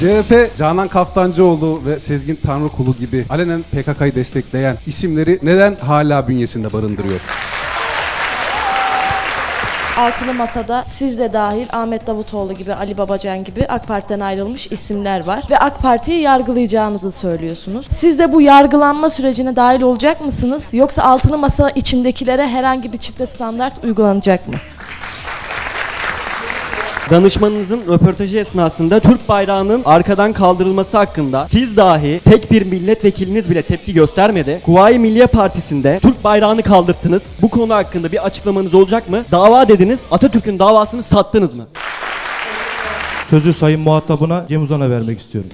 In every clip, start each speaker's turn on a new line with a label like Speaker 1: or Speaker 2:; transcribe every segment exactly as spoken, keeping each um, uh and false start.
Speaker 1: C H P, Canan Kaftancıoğlu ve Sezgin Tanrıkulu gibi alenen P K K'yı destekleyen isimleri neden hala bünyesinde barındırıyor?
Speaker 2: Altılı Masa'da siz de dahil Ahmet Davutoğlu gibi, Ali Babacan gibi AK Parti'den ayrılmış isimler var. Ve AK Parti'yi yargılayacağınızı söylüyorsunuz. Siz de bu yargılanma sürecine dahil olacak mısınız? Yoksa Altılı Masa içindekilere herhangi bir çifte standart uygulanacak mı?
Speaker 3: Danışmanınızın röportajı esnasında Türk bayrağının arkadan kaldırılması hakkında siz dahi tek bir milletvekiliniz bile tepki göstermedi. Kuvayi Milliye Partisi'nde Türk bayrağını kaldırttınız. Bu konu hakkında bir açıklamanız olacak mı? Dava dediniz, Atatürk'ün davasını sattınız mı?
Speaker 4: Sözü sayın muhatabına Cem Uzan'a vermek istiyorum.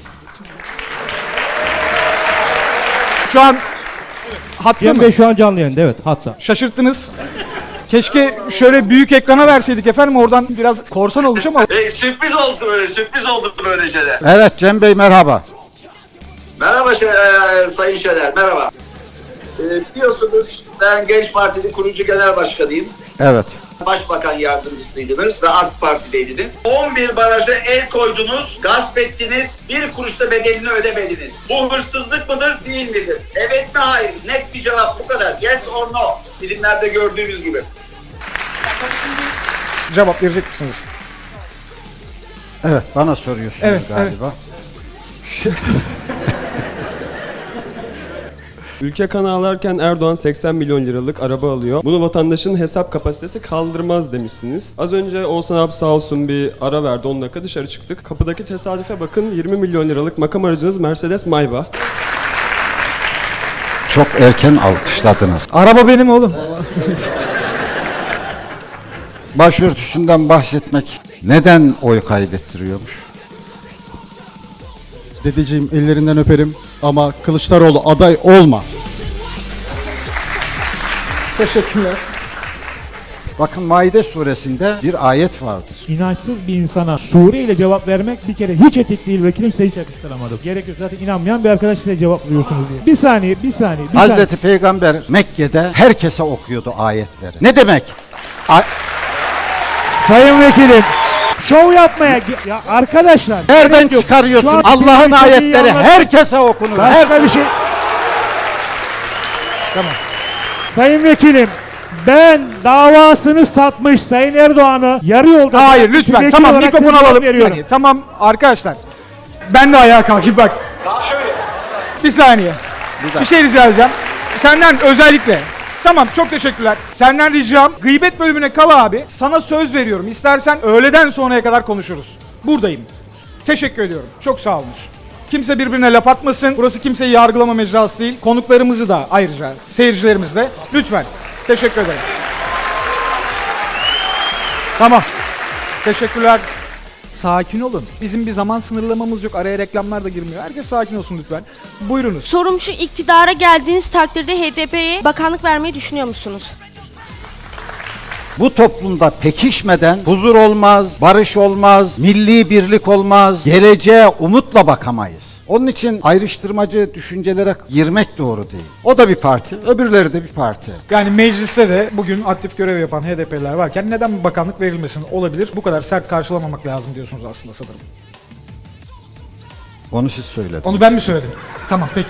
Speaker 5: Şu an hatta
Speaker 4: Cem
Speaker 5: mı?
Speaker 4: Bey şu an canlı yayında, evet, hatta.
Speaker 5: Şaşırttınız. Keşke şöyle büyük ekrana verseydik efendim, oradan biraz korsan olmuş ama.
Speaker 6: E, sürpriz oldu böyle, sürpriz oldu böyle şeyler.
Speaker 7: Evet Cem Bey merhaba.
Speaker 6: Merhaba şey, e, Sayın Şener, merhaba. E, biliyorsunuz ben Genç Parti'nin kurucu genel başkanıyım.
Speaker 7: Evet.
Speaker 6: Başbakan yardımcısıydınız ve AK Parti'deydiniz. on bir baraja el koydunuz, gasp ettiniz, bir kuruşta bedelini ödemediniz. Bu hırsızlık mıdır, değil midir? Evet mi, hayır? Net bir cevap, bu kadar. Yes or no? Filmlerde gördüğümüz gibi.
Speaker 5: Cevap verecek misiniz?
Speaker 7: Evet bana soruyorsunuz
Speaker 5: Evet,
Speaker 7: galiba.
Speaker 8: Ülke kan ağlarken Erdoğan seksen milyon liralık araba alıyor. Bunu vatandaşın hesap kapasitesi kaldırmaz demişsiniz. Az önce Oğuzhan abi sağ olsun bir ara verdi, on dakika dışarı çıktık. Kapıdaki tesadüfe bakın, yirmi milyon liralık makam aracınız Mercedes Maybach.
Speaker 7: Çok erken alkışladınız.
Speaker 5: Araba benim oğlum.
Speaker 7: Başörtüsünden bahsetmek neden oy kaybettiriyormuş?
Speaker 1: Dedeciğim ellerinden öperim ama Kılıçdaroğlu aday olma.
Speaker 5: Teşekkürler.
Speaker 7: Bakın Maide suresinde bir ayet vardır.
Speaker 9: İnançsız bir insana sure ile cevap vermek bir kere hiç etik değil ve kimse hiç yakıştıramadım. Gerek yok, zaten inanmayan bir arkadaş size cevaplıyorsunuz diye. Bir saniye, bir saniye, bir saniye.
Speaker 7: Hazreti Peygamber Mekke'de herkese okuyordu ayetleri. Ne demek? A-
Speaker 9: Sayın Vekilim, şov yapmaya ge- ya arkadaşlar.
Speaker 7: Nereden
Speaker 9: gerek yok.
Speaker 7: çıkarıyorsun?
Speaker 9: Şu an
Speaker 7: Allah'ın
Speaker 9: sizin istediği
Speaker 7: ayetleri
Speaker 9: anlatın.
Speaker 7: herkese okunur.
Speaker 9: Başka
Speaker 7: Her-
Speaker 9: bir şey. Tamam. Sayın Vekilim, ben davasını satmış Sayın Erdoğan'ı yarı yolda...
Speaker 5: Hayır
Speaker 9: bırakmış
Speaker 5: lütfen,
Speaker 9: vekil
Speaker 5: tamam
Speaker 9: olarak
Speaker 5: mikrofonu
Speaker 9: size cevap
Speaker 5: alalım.
Speaker 9: veriyorum.
Speaker 5: Yani, tamam arkadaşlar. Ben de ayağa kalkayım bak. Bir saniye. Bir şey rica edeceğim. Senden özellikle. Tamam, çok teşekkürler. Senden ricam gıybet bölümüne kal abi. Sana söz veriyorum. İstersen öğleden sonraya kadar konuşuruz. Buradayım. Teşekkür ediyorum. Çok sağ olun. Kimse birbirine laf atmasın. Burası kimseyi yargılama mecrası değil. Konuklarımızı da ayrıca, seyircilerimiz de. Lütfen. Teşekkür ederim. Tamam. Teşekkürler. Sakin olun. Bizim bir zaman sınırlamamız yok. Araya reklamlar da girmiyor. Herkes sakin olsun lütfen. Buyurunuz.
Speaker 10: Sorum şu, iktidara geldiğiniz takdirde H D P'ye bakanlık vermeyi düşünüyor musunuz?
Speaker 7: Bu toplumda pekişmeden huzur olmaz, barış olmaz, milli birlik olmaz, geleceğe umutla bakamayız. Onun için ayrıştırmacı düşüncelere girmek doğru değil. O da bir parti, öbürleri de bir parti.
Speaker 5: Yani mecliste de bugün aktif görev yapan H D P'liler varken neden bir bakanlık verilmesin, olabilir? Bu kadar sert karşılamamak lazım diyorsunuz aslında sanırım.
Speaker 7: Onu siz söylediniz.
Speaker 5: Onu ben mi söyledim? Tamam peki.